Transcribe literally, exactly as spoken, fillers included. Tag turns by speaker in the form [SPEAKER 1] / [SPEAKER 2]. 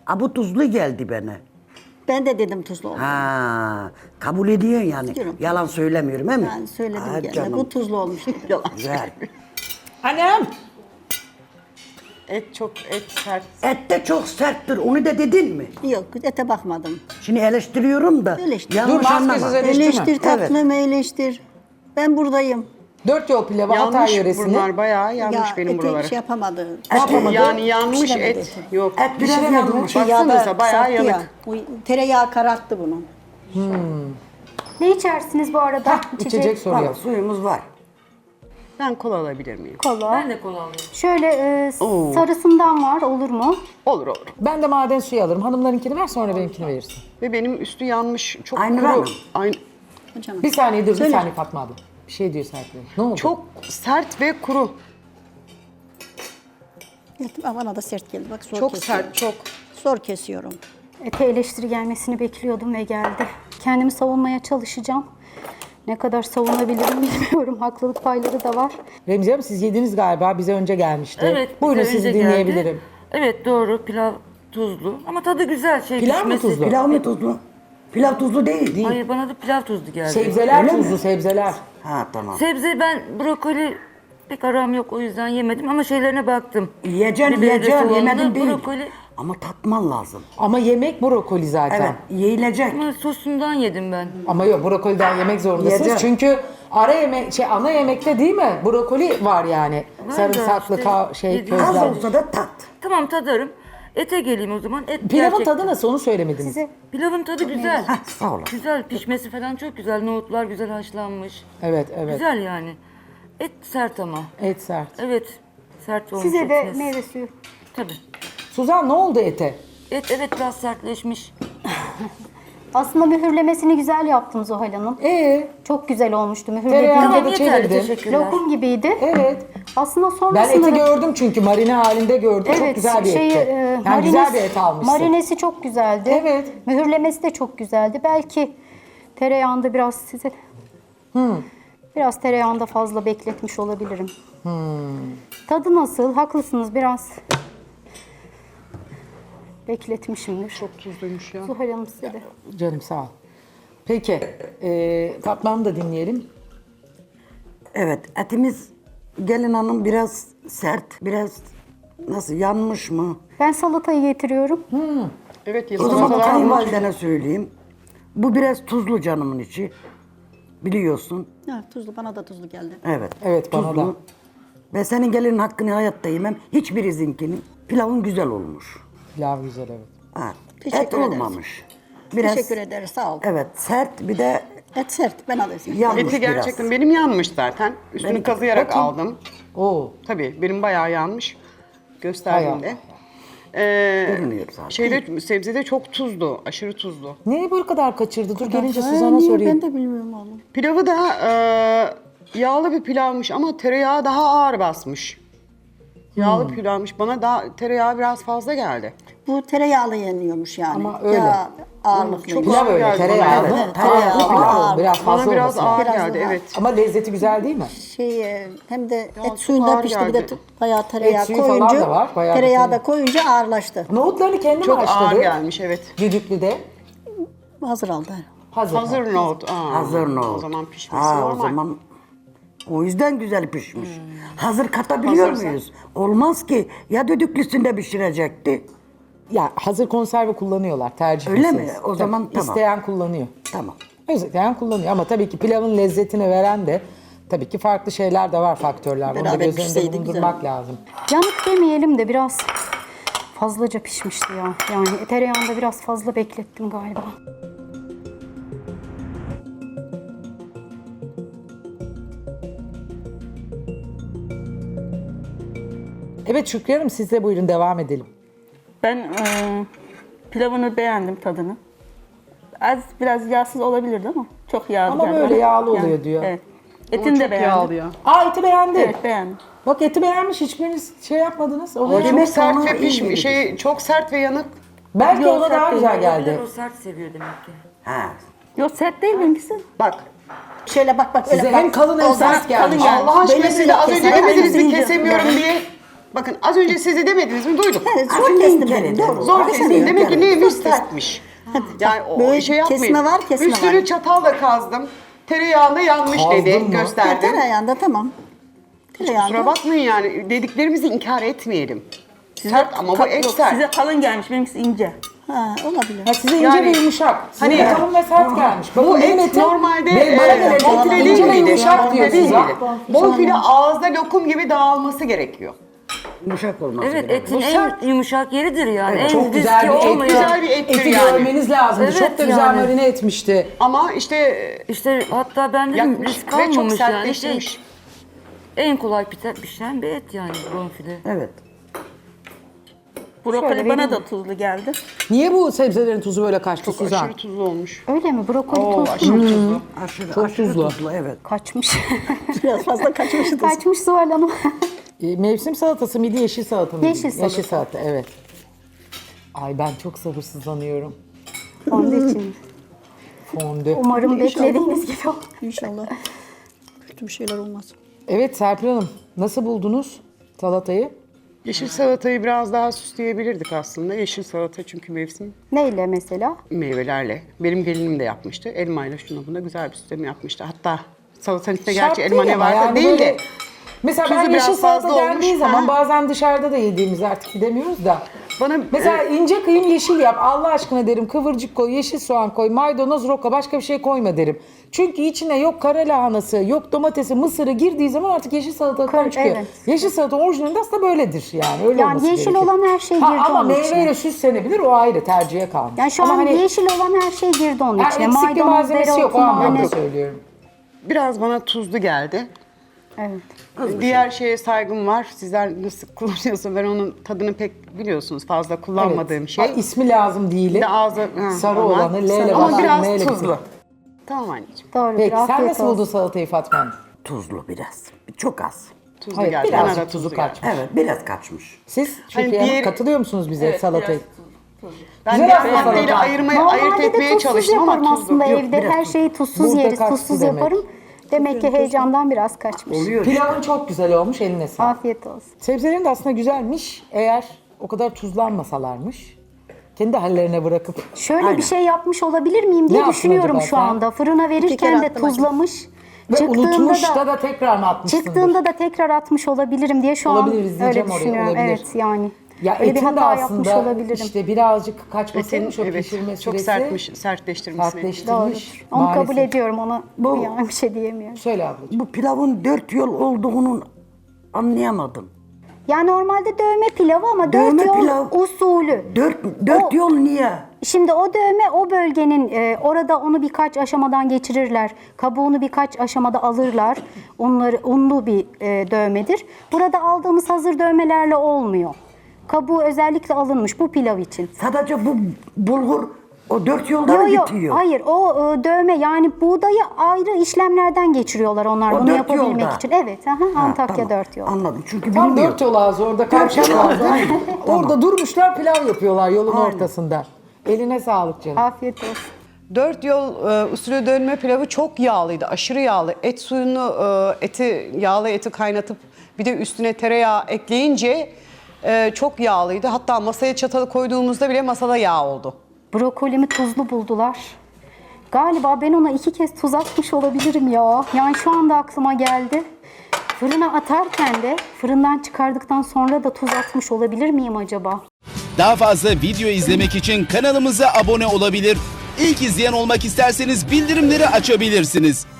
[SPEAKER 1] A bu tuzlu geldi bana.
[SPEAKER 2] Ben de dedim tuzlu oldu.
[SPEAKER 1] Ha, kabul ediyorsun yani.
[SPEAKER 2] Diyorum.
[SPEAKER 1] Yalan söylemiyorum değil mi?
[SPEAKER 2] Yani söyledim
[SPEAKER 1] Ha,
[SPEAKER 2] gene.
[SPEAKER 1] canım.
[SPEAKER 2] Bu tuzlu olmuş dedim. Yalan.
[SPEAKER 1] Güzel.
[SPEAKER 3] Annem.
[SPEAKER 4] Et çok et sert.
[SPEAKER 1] Et de çok serttir. Onu da dedin mi?
[SPEAKER 2] Yok ete bakmadım.
[SPEAKER 1] Şimdi eleştiriyorum da.
[SPEAKER 2] Eleştir.
[SPEAKER 1] Yanlış
[SPEAKER 3] Dur, maske
[SPEAKER 1] anlama.
[SPEAKER 3] size- Eleştirme.
[SPEAKER 2] Eleştir tatlım eleştir. Ben buradayım.
[SPEAKER 3] Dört yol pilavı Hatay
[SPEAKER 4] Yanmış
[SPEAKER 3] yöresini.
[SPEAKER 4] bunlar bayağı yanmış
[SPEAKER 2] ya
[SPEAKER 4] benim
[SPEAKER 2] eti
[SPEAKER 4] buraları.
[SPEAKER 2] şey yapamadı.
[SPEAKER 1] Yapamadı.
[SPEAKER 4] Yani yanmış
[SPEAKER 2] Pişiremedi
[SPEAKER 4] et.
[SPEAKER 2] eti.
[SPEAKER 4] Yok.
[SPEAKER 1] Et biraz yanmış.
[SPEAKER 2] Şey, yağda
[SPEAKER 4] Baksanıza bayağı
[SPEAKER 2] kısalttı ya.
[SPEAKER 4] yanık.
[SPEAKER 2] Bu tereyağı kararttı bunu.
[SPEAKER 5] Ne içersiniz bu arada?
[SPEAKER 3] Hah, içecek soruyor.
[SPEAKER 1] Valla suyumuz var.
[SPEAKER 4] Ben kola alabilir miyim?
[SPEAKER 5] Kola.
[SPEAKER 6] Ben de kola alıyorum.
[SPEAKER 5] Şöyle e, sarısından var, olur mu?
[SPEAKER 4] Olur olur.
[SPEAKER 3] Ben de maden suyu alırım. Hanımlarınkini ver, sonra benimkini verirsin.
[SPEAKER 4] Ve benim üstü yanmış. Çok
[SPEAKER 1] Aynur
[SPEAKER 4] kuru.
[SPEAKER 1] Hanım.
[SPEAKER 4] Aynı,
[SPEAKER 2] Hocam.
[SPEAKER 3] Bir saniye dur, bir
[SPEAKER 2] Söyle.
[SPEAKER 3] saniye Fatma abla. Bir şey diyor Serpil. Ne oldu?
[SPEAKER 4] çok sert ve kuru.
[SPEAKER 2] Evet, bana da sert geldi. Bak zor
[SPEAKER 4] Çok
[SPEAKER 2] kesiyorum.
[SPEAKER 4] sert, çok.
[SPEAKER 2] Zor kesiyorum.
[SPEAKER 5] Ete eleştiri gelmesini bekliyordum ve geldi. Kendimi savunmaya çalışacağım. Ne kadar savunabilirim bilmiyorum. Haklılık payları da var.
[SPEAKER 3] Remziye Hanım siz yediniz galiba. Bize önce gelmişti.
[SPEAKER 6] Evet.
[SPEAKER 3] Buyurun
[SPEAKER 6] bize
[SPEAKER 3] sizi
[SPEAKER 6] önce
[SPEAKER 3] dinleyebilirim.
[SPEAKER 6] geldi. Evet doğru pilav tuzlu ama tadı güzel şey
[SPEAKER 3] Pilav mı
[SPEAKER 6] pişmesi.
[SPEAKER 3] tuzlu?
[SPEAKER 1] Pilav mı tuzlu? Pilav tuzlu değil. Değil.
[SPEAKER 6] Hayır bana da pilav tuzlu geldi.
[SPEAKER 3] Sebzeler
[SPEAKER 1] Öyle mi?
[SPEAKER 3] tuzlu, sebzeler.
[SPEAKER 1] Ha tamam.
[SPEAKER 6] Sebze ben brokoli pek aram yok o yüzden yemedim ama şeylerine baktım.
[SPEAKER 1] Yiyeceksin,
[SPEAKER 6] Biberi,
[SPEAKER 1] yiyeceksin.
[SPEAKER 6] soğanlı,
[SPEAKER 1] Yemedin değil.
[SPEAKER 6] brokoli.
[SPEAKER 1] Ama tatman lazım.
[SPEAKER 3] Ama yemek brokoli zaten.
[SPEAKER 1] Evet, yiyilecek.
[SPEAKER 6] Ama sosundan yedim ben.
[SPEAKER 3] Ama yok, brokoliden yemek zorundasınız.
[SPEAKER 1] Yiyeceğim.
[SPEAKER 3] Çünkü ara yemek, şey ana yemekte değil mi? Brokoli var yani.
[SPEAKER 6] Var
[SPEAKER 3] Sarımsaklı
[SPEAKER 6] da
[SPEAKER 3] ka-
[SPEAKER 6] işte
[SPEAKER 3] şey
[SPEAKER 6] yediğim-
[SPEAKER 1] Az
[SPEAKER 3] közler.
[SPEAKER 1] olsa da tat.
[SPEAKER 6] Tamam tadarım. Ete geleyim o zaman. Et
[SPEAKER 3] Pilavın
[SPEAKER 6] gerçekten-
[SPEAKER 3] tadı nasıl onu söylemediniz.
[SPEAKER 5] Size
[SPEAKER 6] Pilavın tadı güzel.
[SPEAKER 1] Hah, sağ olun.
[SPEAKER 6] Güzel pişmesi falan çok güzel. Nohutlar güzel haşlanmış.
[SPEAKER 3] Evet, evet.
[SPEAKER 6] Güzel yani. Et sert ama.
[SPEAKER 3] Et sert.
[SPEAKER 6] Evet. Sert olmuş
[SPEAKER 5] size de
[SPEAKER 6] etiniz.
[SPEAKER 5] meyve suyu.
[SPEAKER 6] Tabii.
[SPEAKER 3] Suzan ne oldu ete?
[SPEAKER 6] Et evet biraz sertleşmiş.
[SPEAKER 5] Aslında mühürlemesini güzel yaptım Zuhal Hanım.
[SPEAKER 3] Ee,
[SPEAKER 5] Çok güzel olmuştu.
[SPEAKER 3] tereyağını
[SPEAKER 5] Mühürlediğimde
[SPEAKER 3] da
[SPEAKER 6] yeterli,
[SPEAKER 3] çevirdin.
[SPEAKER 6] teşekkürler.
[SPEAKER 5] lokum gibiydi.
[SPEAKER 3] Evet.
[SPEAKER 5] Aslında
[SPEAKER 3] Ben
[SPEAKER 5] sonrasında
[SPEAKER 3] eti
[SPEAKER 5] da-
[SPEAKER 3] gördüm çünkü marine halinde gördüm. Çok
[SPEAKER 5] Evet,
[SPEAKER 3] güzel bir
[SPEAKER 5] şeyi,
[SPEAKER 3] etti.
[SPEAKER 5] e,
[SPEAKER 3] Yani
[SPEAKER 5] marines-
[SPEAKER 3] güzel bir et almışsın.
[SPEAKER 5] Marinesi çok güzeldi.
[SPEAKER 3] Evet.
[SPEAKER 5] Mühürlemesi de çok güzeldi. Belki tereyağında biraz size biraz tereyağında fazla bekletmiş olabilirim. Tadı nasıl? Haklısınız, biraz bekletmişimdir.
[SPEAKER 4] Çok tuzluymuş ya.
[SPEAKER 5] Zuhal Hanım size de.
[SPEAKER 3] Canım sağ ol. Peki, e, Fatma Hanım'ı da dinleyelim.
[SPEAKER 1] Evet, etimiz gelin hanım biraz sert, biraz nasıl yanmış mı?
[SPEAKER 5] Ben salatayı getiriyorum.
[SPEAKER 4] Evet,
[SPEAKER 1] O zaman
[SPEAKER 4] yazılı var mı?
[SPEAKER 1] kayınvalidene söyleyeyim. Bu biraz tuzlu canımın içi. Biliyorsun.
[SPEAKER 2] Ha, tuzlu bana da tuzlu geldi.
[SPEAKER 1] Evet.
[SPEAKER 3] Evet, bana
[SPEAKER 1] tuzlu.
[SPEAKER 3] da.
[SPEAKER 1] Ve senin gelinin hakkını hayatta yemem. Hiçbirizinkinin. Pilavın güzel olmuş.
[SPEAKER 3] Pilav güzel evet.
[SPEAKER 1] Ha,
[SPEAKER 2] Teşekkür
[SPEAKER 1] et
[SPEAKER 2] ederiz.
[SPEAKER 1] olmamış. Biraz,
[SPEAKER 2] Teşekkür ederiz sağ ol.
[SPEAKER 1] Evet, sert bir de
[SPEAKER 2] Et sert ben alayım.
[SPEAKER 1] yanmış
[SPEAKER 4] Eti gerçekten
[SPEAKER 1] biraz.
[SPEAKER 4] benim yanmış zaten. Üstünü
[SPEAKER 1] Benimki-
[SPEAKER 4] kazıyarak
[SPEAKER 3] Bakayım.
[SPEAKER 4] aldım.
[SPEAKER 3] Oo.
[SPEAKER 4] Tabii benim bayağı yanmış. Gösterdiğimde.
[SPEAKER 3] Hay
[SPEAKER 4] Ee,
[SPEAKER 1] Görünüyor zaten.
[SPEAKER 4] şeyde, sebzede çok tuzlu, aşırı tuzlu.
[SPEAKER 3] Niye bu kadar kaçırdı? Dur gelince
[SPEAKER 2] Ha,
[SPEAKER 3] Suzan'a
[SPEAKER 2] niye?
[SPEAKER 3] sorayım.
[SPEAKER 2] Ben de bilmiyorum oğlum.
[SPEAKER 4] Pilavı da e, yağlı bir pilavmış ama tereyağı daha ağır basmış. Yağlı pilavmış. Bana da tereyağı biraz fazla geldi.
[SPEAKER 2] Bu tereyağlı yeniyormuş yani.
[SPEAKER 3] Ama öyle.
[SPEAKER 2] Yağ ağırlıklı.
[SPEAKER 4] Çok
[SPEAKER 3] Pilav
[SPEAKER 4] ağır
[SPEAKER 3] öyle,
[SPEAKER 4] geldi bana.
[SPEAKER 3] tereyağlı.
[SPEAKER 1] Evet,
[SPEAKER 3] Tereyağlı
[SPEAKER 2] tereyağlı.
[SPEAKER 3] pilav.
[SPEAKER 2] Ağır.
[SPEAKER 3] Biraz fazla
[SPEAKER 4] Bana biraz
[SPEAKER 3] olması
[SPEAKER 4] ağır
[SPEAKER 3] lazım.
[SPEAKER 2] Biraz
[SPEAKER 4] geldi,
[SPEAKER 2] daha.
[SPEAKER 4] evet.
[SPEAKER 3] Ama lezzeti güzel değil mi?
[SPEAKER 2] Şey e, hem de
[SPEAKER 4] Ya,
[SPEAKER 2] et
[SPEAKER 4] çok
[SPEAKER 2] suyunda
[SPEAKER 4] ağır
[SPEAKER 2] pişti bir de
[SPEAKER 4] geldi.
[SPEAKER 2] t- bayağı tereyağı
[SPEAKER 3] suyu falan
[SPEAKER 2] koyunca
[SPEAKER 3] da var, bayağı
[SPEAKER 2] tereyağı
[SPEAKER 3] bir
[SPEAKER 2] da koyunca ağırlaştı.
[SPEAKER 3] Nohutlarını kendi mi
[SPEAKER 4] Çok ağır
[SPEAKER 3] haşladı?
[SPEAKER 4] gelmiş, evet.
[SPEAKER 3] Düdüklüde.
[SPEAKER 2] Hazır aldı.
[SPEAKER 3] Hazır.
[SPEAKER 4] Hazır nohut. Aa,
[SPEAKER 1] Hazır nohut.
[SPEAKER 4] O zaman pişmesi
[SPEAKER 1] ha,
[SPEAKER 4] normal.
[SPEAKER 1] O zaman o yüzden güzel pişmiş. Hazır katabiliyor
[SPEAKER 4] Hazırsa.
[SPEAKER 1] muyuz? Olmaz ki. Ya düdüklüsünde pişirecekti.
[SPEAKER 3] Ya hazır konserve kullanıyorlar tercih
[SPEAKER 1] Öyle mi?
[SPEAKER 3] meselesi.
[SPEAKER 1] O zaman
[SPEAKER 3] Tabii,
[SPEAKER 1] tamam.
[SPEAKER 3] İsteyen kullanıyor.
[SPEAKER 1] Tamam.
[SPEAKER 3] İsteyen kullanıyor ama tabii ki pilavın lezzetini veren de tabii ki farklı şeyler de var, faktörler. Bunu da
[SPEAKER 2] Beraber
[SPEAKER 3] göz önünde
[SPEAKER 2] pişseydi
[SPEAKER 3] bulundurmak
[SPEAKER 2] güzel.
[SPEAKER 3] lazım.
[SPEAKER 5] Yanık demeyelim de biraz fazlaca pişmişti ya. Yani tereyağında biraz fazla beklettim galiba.
[SPEAKER 3] Evet Şükrü Hanım siz de buyurun devam edelim.
[SPEAKER 7] Ben e, pilavını beğendim tadını. Az biraz yağsız olabilirdi ama çok yağlı
[SPEAKER 3] Ama
[SPEAKER 7] geldi
[SPEAKER 3] böyle
[SPEAKER 7] bana.
[SPEAKER 3] yağlı oluyor diyor.
[SPEAKER 7] Evet.
[SPEAKER 4] Ama
[SPEAKER 7] Etini de
[SPEAKER 4] çok
[SPEAKER 7] beğendim.
[SPEAKER 4] yağlı ya.
[SPEAKER 3] Aa eti beğendi.
[SPEAKER 7] Evet beğendim.
[SPEAKER 3] Bak eti beğenmiş hiçbiriniz şey yapmadınız. O
[SPEAKER 4] Çok
[SPEAKER 1] Demek
[SPEAKER 4] sert
[SPEAKER 1] ona
[SPEAKER 4] ve
[SPEAKER 1] iyi
[SPEAKER 4] pişmiş,
[SPEAKER 1] gelir.
[SPEAKER 4] şey çok sert ve yanık.
[SPEAKER 3] Belki
[SPEAKER 7] Yok,
[SPEAKER 3] ona
[SPEAKER 7] sert
[SPEAKER 3] daha
[SPEAKER 7] değil.
[SPEAKER 3] güzel geldi.
[SPEAKER 6] O sert seviyor demek ki.
[SPEAKER 1] Ha.
[SPEAKER 7] Yok sert değil benimkisi.
[SPEAKER 4] Bak,
[SPEAKER 2] Şöyle bak bak.
[SPEAKER 3] Size
[SPEAKER 2] öyle
[SPEAKER 3] hem
[SPEAKER 2] bak.
[SPEAKER 3] kalın hem
[SPEAKER 2] O zaman
[SPEAKER 3] sert gelmiş.
[SPEAKER 2] kalın gelmiş.
[SPEAKER 4] Allah aşkına
[SPEAKER 2] Benim
[SPEAKER 4] siz
[SPEAKER 2] de
[SPEAKER 4] de az önce
[SPEAKER 2] keser,
[SPEAKER 4] demediniz mi
[SPEAKER 2] benim de-
[SPEAKER 4] kesemiyorum diye. Bakın az önce sizi demediniz mi? Duyduk.
[SPEAKER 2] Evet,
[SPEAKER 1] Aslında
[SPEAKER 2] zor kestim
[SPEAKER 1] inkar
[SPEAKER 2] dedim.
[SPEAKER 1] ederim.
[SPEAKER 2] Doğru.
[SPEAKER 4] Zor
[SPEAKER 1] Aslında
[SPEAKER 4] kestim.
[SPEAKER 1] inkar
[SPEAKER 4] Demek ki
[SPEAKER 1] ederim.
[SPEAKER 4] neymiş?
[SPEAKER 2] Zor kestim.
[SPEAKER 4] Sertmiş. Yani o
[SPEAKER 2] Böyle
[SPEAKER 4] şey yapmayın.
[SPEAKER 2] kesme var, kesme
[SPEAKER 4] Üstünü
[SPEAKER 2] var.
[SPEAKER 4] çatalla kazdım. Tereyağında yanmış
[SPEAKER 3] Kazdın
[SPEAKER 4] dedi.
[SPEAKER 3] mı?
[SPEAKER 4] Gösterdim.
[SPEAKER 2] Tereyağında tamam.
[SPEAKER 4] Kusura
[SPEAKER 2] Tereyağında.
[SPEAKER 4] bakmayın yani. Dediklerimizi inkar etmeyelim. Sert ama bu
[SPEAKER 7] Ka-
[SPEAKER 4] et
[SPEAKER 7] yok,
[SPEAKER 4] sert.
[SPEAKER 7] size kalın gelmiş, benimkisi ince.
[SPEAKER 2] Ha, olabilir.
[SPEAKER 3] Ha, size ince
[SPEAKER 4] Yani-
[SPEAKER 3] ve yumuşak. Size
[SPEAKER 4] Hani-
[SPEAKER 3] hani, kalın ve sert gelmiş. Bakın
[SPEAKER 4] Bu
[SPEAKER 3] benim
[SPEAKER 4] et
[SPEAKER 3] etim
[SPEAKER 4] normalde
[SPEAKER 3] benim- bana
[SPEAKER 4] e,
[SPEAKER 3] göre
[SPEAKER 4] bonfile
[SPEAKER 3] ince
[SPEAKER 4] değil
[SPEAKER 3] ve
[SPEAKER 4] miydi?
[SPEAKER 3] yumuşak
[SPEAKER 4] Bonfile
[SPEAKER 3] diyor
[SPEAKER 4] değil
[SPEAKER 3] size.
[SPEAKER 4] miydi? Bonfile ağızda lokum gibi dağılması gerekiyor.
[SPEAKER 1] Yumuşak olması
[SPEAKER 6] Evet
[SPEAKER 1] gerekiyor.
[SPEAKER 6] etin
[SPEAKER 4] Bu
[SPEAKER 6] en
[SPEAKER 4] sert.
[SPEAKER 6] yumuşak yeridir yani. En
[SPEAKER 3] Çok güzel bir
[SPEAKER 6] riski
[SPEAKER 3] et.
[SPEAKER 6] olmayan.
[SPEAKER 4] güzel bir ettir
[SPEAKER 3] Eti
[SPEAKER 4] yani.
[SPEAKER 3] görmeniz lazımdı.
[SPEAKER 6] Evet
[SPEAKER 3] Çok da güzel
[SPEAKER 6] yani.
[SPEAKER 3] marine etmişti.
[SPEAKER 4] Ama işte
[SPEAKER 6] İşte hatta ben dedim
[SPEAKER 4] yakmış
[SPEAKER 6] risk
[SPEAKER 4] ve çok
[SPEAKER 6] kalmamış yani. Şey,
[SPEAKER 4] sertleştirmiş.
[SPEAKER 6] en kolay pite- pişen bir et yani bonfile.
[SPEAKER 1] Evet.
[SPEAKER 7] Brokoli
[SPEAKER 5] Şöyle
[SPEAKER 7] bana
[SPEAKER 5] vereyim.
[SPEAKER 7] da tuzlu geldi.
[SPEAKER 3] Niye bu sebzelerin tuzu böyle kaçtı
[SPEAKER 4] Çok
[SPEAKER 3] Suzan?
[SPEAKER 4] aşırı tuzlu olmuş.
[SPEAKER 5] Öyle mi? Brokoli
[SPEAKER 4] Oo,
[SPEAKER 5] tuzlu
[SPEAKER 4] aşırı
[SPEAKER 5] mu?
[SPEAKER 4] tuzlu.
[SPEAKER 1] Aşırı,
[SPEAKER 3] Çok
[SPEAKER 1] aşırı
[SPEAKER 3] tuzlu.
[SPEAKER 1] tuzlu. Evet.
[SPEAKER 5] Kaçmış.
[SPEAKER 2] Biraz fazla kaçmıştı.
[SPEAKER 5] Kaçmış Zuhal Hanım.
[SPEAKER 3] E, mevsim salatası mıydı, yeşil salata mıydı?
[SPEAKER 5] Yeşil salata.
[SPEAKER 3] Yeşil salata, evet. Ay ben çok sabırsızlanıyorum.
[SPEAKER 5] Onun için.
[SPEAKER 3] Fondü.
[SPEAKER 5] Umarım beklediğiniz gibi olur.
[SPEAKER 2] İnşallah. Kötü bir şeyler olmaz.
[SPEAKER 3] Evet Serpil Hanım, nasıl buldunuz salatayı?
[SPEAKER 4] Yeşil salatayı biraz daha süsleyebilirdik aslında. Yeşil salata çünkü mevsim
[SPEAKER 5] Neyle mesela?
[SPEAKER 4] meyvelerle. Benim gelinim de yapmıştı. Elmayla şuna buna güzel bir süsleme yapmıştı. Hatta salatanın içinde
[SPEAKER 3] Şart
[SPEAKER 4] gerçi elma
[SPEAKER 3] değil
[SPEAKER 4] ne
[SPEAKER 3] ama
[SPEAKER 4] varsa
[SPEAKER 3] yani
[SPEAKER 4] değil
[SPEAKER 3] böyle-
[SPEAKER 4] de.
[SPEAKER 3] Mesela
[SPEAKER 4] Tuzu
[SPEAKER 3] ben
[SPEAKER 4] biraz
[SPEAKER 3] yeşil
[SPEAKER 4] fazla
[SPEAKER 3] salata dendiği
[SPEAKER 4] olmuş,
[SPEAKER 3] zaman
[SPEAKER 4] ha.
[SPEAKER 3] bazen dışarıda da yediğimiz artık gidemiyoruz da.
[SPEAKER 4] Bana
[SPEAKER 3] Mesela ince kıyım yeşil yap. Allah aşkına derim, kıvırcık koy, yeşil soğan koy, maydanoz, roka, başka bir şey koyma derim. Çünkü içine yok kara lahanası, yok domatesi, mısırı girdiği zaman artık yeşil salatalıktan
[SPEAKER 5] Kır-
[SPEAKER 3] çıkıyor.
[SPEAKER 5] evet.
[SPEAKER 3] Yeşil salata orijinalinde aslında böyledir yani. Öyle
[SPEAKER 5] Yani
[SPEAKER 3] olması
[SPEAKER 5] yeşil
[SPEAKER 3] gerekir.
[SPEAKER 5] olan her şey
[SPEAKER 3] Ha,
[SPEAKER 5] girdi
[SPEAKER 3] ama
[SPEAKER 5] onun içine.
[SPEAKER 3] meyveyle süslenebilir, o ayrı, tercihe kalmış.
[SPEAKER 5] Yani şu
[SPEAKER 3] ama
[SPEAKER 5] an
[SPEAKER 3] hani,
[SPEAKER 5] yeşil olan her şey girdi onun
[SPEAKER 3] ha,
[SPEAKER 5] içine.
[SPEAKER 3] eksik bir malzemesi yok, o anlamda
[SPEAKER 5] nane.
[SPEAKER 3] söylüyorum.
[SPEAKER 4] biraz bana tuzlu geldi.
[SPEAKER 5] Evet.
[SPEAKER 4] Diğer şeye saygım var. Sizler nasıl kullanıyorsa ben onun tadını pek biliyorsunuz fazla kullanmadığım
[SPEAKER 3] Evet.
[SPEAKER 4] şey.
[SPEAKER 3] Ha, ismi lazım değil.
[SPEAKER 4] Bir de ağzı ha,
[SPEAKER 3] Sarı
[SPEAKER 4] olan.
[SPEAKER 3] olanı, L ile
[SPEAKER 4] Ama
[SPEAKER 3] başlayan,
[SPEAKER 4] biraz
[SPEAKER 3] M ile
[SPEAKER 4] tuzlu.
[SPEAKER 3] biten.
[SPEAKER 4] Tamam anneciğim.
[SPEAKER 5] Doğru.
[SPEAKER 3] Peki sen
[SPEAKER 5] afiyet
[SPEAKER 3] nasıl
[SPEAKER 5] olsun.
[SPEAKER 3] buldun salatayı Fatma Hanım?
[SPEAKER 1] Tuzlu biraz. Çok az.
[SPEAKER 4] Tuzlu
[SPEAKER 3] Hayır,
[SPEAKER 4] geldi. Bana da
[SPEAKER 3] birazcık tuzu
[SPEAKER 4] geldi.
[SPEAKER 3] kaçmış.
[SPEAKER 1] Evet, biraz kaçmış.
[SPEAKER 3] Siz
[SPEAKER 4] Hani
[SPEAKER 3] Şükrü Hanım
[SPEAKER 4] diğer-
[SPEAKER 3] katılıyor musunuz bize salatayı?
[SPEAKER 4] Ben
[SPEAKER 3] Güzel
[SPEAKER 4] diğer
[SPEAKER 3] aslında
[SPEAKER 4] maddeyle
[SPEAKER 3] salata.
[SPEAKER 4] ayırmaya, ayırt
[SPEAKER 5] Normalde de
[SPEAKER 4] etmeye
[SPEAKER 5] tuzsuz
[SPEAKER 4] çalıştım ama
[SPEAKER 5] yaparım
[SPEAKER 4] tuzlu.
[SPEAKER 5] aslında
[SPEAKER 1] Yok,
[SPEAKER 5] evde.
[SPEAKER 1] biraz
[SPEAKER 5] Her
[SPEAKER 1] tuz.
[SPEAKER 5] şeyi tuzsuz
[SPEAKER 3] Burada
[SPEAKER 5] yeriz.
[SPEAKER 3] kaçtı
[SPEAKER 5] Tuzsuz
[SPEAKER 3] demek.
[SPEAKER 5] yaparım. Demek ki heyecandan biraz kaçmış.
[SPEAKER 1] Oluyor.
[SPEAKER 3] Pilavın çok güzel olmuş, eline sağlık.
[SPEAKER 5] Afiyet olsun.
[SPEAKER 3] Sebzelerin de aslında güzelmiş eğer o kadar tuzlanmasalarmış. Kendi hallerine bırakıp.
[SPEAKER 5] Şöyle
[SPEAKER 1] Aynen.
[SPEAKER 5] bir şey yapmış olabilir miyim diye
[SPEAKER 3] Ne yaptın
[SPEAKER 5] düşünüyorum
[SPEAKER 3] acaba
[SPEAKER 5] şu
[SPEAKER 3] sen?
[SPEAKER 5] anda. Fırına
[SPEAKER 2] kere
[SPEAKER 5] verirken de
[SPEAKER 2] attım acaba.
[SPEAKER 5] tuzlamış.
[SPEAKER 3] Ve unutmuş
[SPEAKER 5] Çıktığında
[SPEAKER 3] da, da tekrar mı atmışsındır?
[SPEAKER 5] Çıktığında da tekrar atmış olabilirim diye şu
[SPEAKER 3] Olabilir,
[SPEAKER 5] an
[SPEAKER 3] izleyeceğim
[SPEAKER 5] öyle
[SPEAKER 3] orayı,
[SPEAKER 5] düşünüyorum.
[SPEAKER 3] olabilir.
[SPEAKER 5] Evet yani.
[SPEAKER 3] Ya
[SPEAKER 5] öyle bir
[SPEAKER 3] etin de
[SPEAKER 5] hata yapmış
[SPEAKER 3] aslında
[SPEAKER 5] olabilirim.
[SPEAKER 3] işte birazcık
[SPEAKER 4] Etin,
[SPEAKER 3] kaçmasıymış o
[SPEAKER 4] evet,
[SPEAKER 3] pişirme süresi.
[SPEAKER 4] çok sertmiş, sertleştirmesine.
[SPEAKER 3] Sertleştirmiş.
[SPEAKER 5] Doğrudur. Onu
[SPEAKER 3] maalesef.
[SPEAKER 5] kabul ediyorum. Ona
[SPEAKER 1] Bu-
[SPEAKER 5] yani bir şey diyemiyorum.
[SPEAKER 3] Söyle ablacığım.
[SPEAKER 1] Bu pilavın dört yol olduğunu anlayamadım.
[SPEAKER 5] Ya normalde dövme pilavı ama
[SPEAKER 1] Dövme
[SPEAKER 5] dört yol
[SPEAKER 1] pilav.
[SPEAKER 5] usulü.
[SPEAKER 1] Dört, dört
[SPEAKER 5] O-
[SPEAKER 1] yol niye?
[SPEAKER 5] Şimdi o dövme o bölgenin e, orada onu birkaç aşamadan geçirirler. Kabuğunu birkaç aşamada alırlar. Onları unlu bir e, dövmedir. Burada aldığımız hazır dövmelerle olmuyor. Kabuğu özellikle alınmış bu pilav için.
[SPEAKER 1] Sadece bu bulgur o dört yolda
[SPEAKER 5] Yo,
[SPEAKER 1] mı
[SPEAKER 5] yo,
[SPEAKER 1] bitiyor?
[SPEAKER 5] hayır o e, dövme yani buğdayı ayrı işlemlerden geçiriyorlar onlar
[SPEAKER 1] O
[SPEAKER 5] bunu
[SPEAKER 1] dört
[SPEAKER 5] yapabilmek
[SPEAKER 1] yolda.
[SPEAKER 5] için. Evet, aha,
[SPEAKER 1] Ha,
[SPEAKER 5] Antakya
[SPEAKER 1] tamam.
[SPEAKER 5] dört yol.
[SPEAKER 1] Anladım çünkü
[SPEAKER 3] Tam
[SPEAKER 1] bilmiyorum.
[SPEAKER 3] dört yol ağzı orada karşı
[SPEAKER 1] yol ağzı,
[SPEAKER 3] ağzı.
[SPEAKER 1] aynen.
[SPEAKER 3] Orada
[SPEAKER 1] Tamam.
[SPEAKER 3] durmuşlar pilav yapıyorlar yolun
[SPEAKER 1] Aynen.
[SPEAKER 3] ortasında. Eline sağlık canım.
[SPEAKER 5] Afiyet olsun.
[SPEAKER 4] Dört yol e, usulü dönme pilavı çok yağlıydı, aşırı yağlı. Et suyunu, e, eti yağlı eti kaynatıp bir de üstüne tereyağı ekleyince e, çok yağlıydı. Hatta masaya çatalı koyduğumuzda bile masada yağ oldu.
[SPEAKER 5] Brokolimi tuzlu buldular. Galiba ben ona iki kez tuz atmış olabilirim ya. Yani şu anda aklıma geldi. Fırına atarken de fırından çıkardıktan sonra da tuz atmış olabilir miyim acaba?
[SPEAKER 8] Daha fazla video izlemek için kanalımıza abone olabilir. İlk izleyen olmak isterseniz bildirimleri açabilirsiniz.